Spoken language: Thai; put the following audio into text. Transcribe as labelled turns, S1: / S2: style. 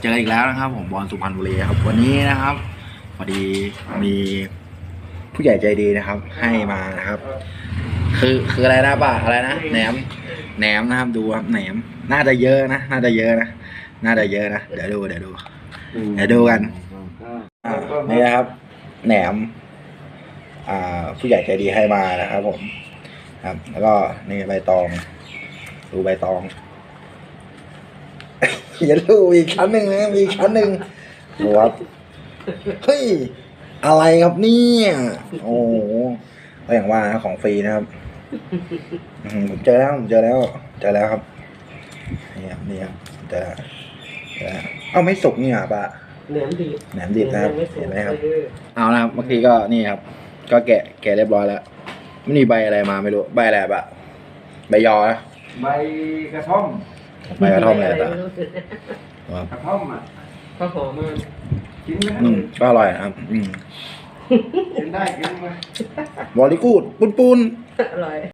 S1: เจออีกแล้วนะครับผมบอลสุพรรณบุรีครับวันนี้นะครับพอดีมีผู้ใหญ่ใจดีนะครับ ให้มานะครับ คืออะไรนะป้าอะไรนะแหนมนะครับดูครับแหนมน่าจะเยอะนะน่าจะเยอะนะเดี๋ยวดูกันนี่นะครับแหนมผู้ใหญ่ใจดีให้มานะครับผมครับแล้วก็นี่ใบตองดูใบตองอย่าดูอีกชั้นหนึ่งนะมีชั้นหนึ่งดูครับเฮ้ยอะไรครับเนี่ยโอ้โหก็อย่างว่านะของฟรีนะครับผมเจอแล้วครับนี่ครับเจอแล้วเอ้าไม่สุกนี่หรอปะแหนมดิบนะครับเห็นไหมครับเอานะครับเมื่อกี้ก็นี่ครับก็แกะเรียบร้อยแล้วไม่มีใบอะไรมาไม่รู้ใบอะไรปะใบยอนะ
S2: ใบกระท่อม
S1: อะไรต่าง
S2: กระท่อมอ่ะข้าวหอมมันกินไหม
S1: ก็อร่อยนะครับ
S2: กินได้กินไหม
S1: บอลลีกูดปูน
S3: อร่อย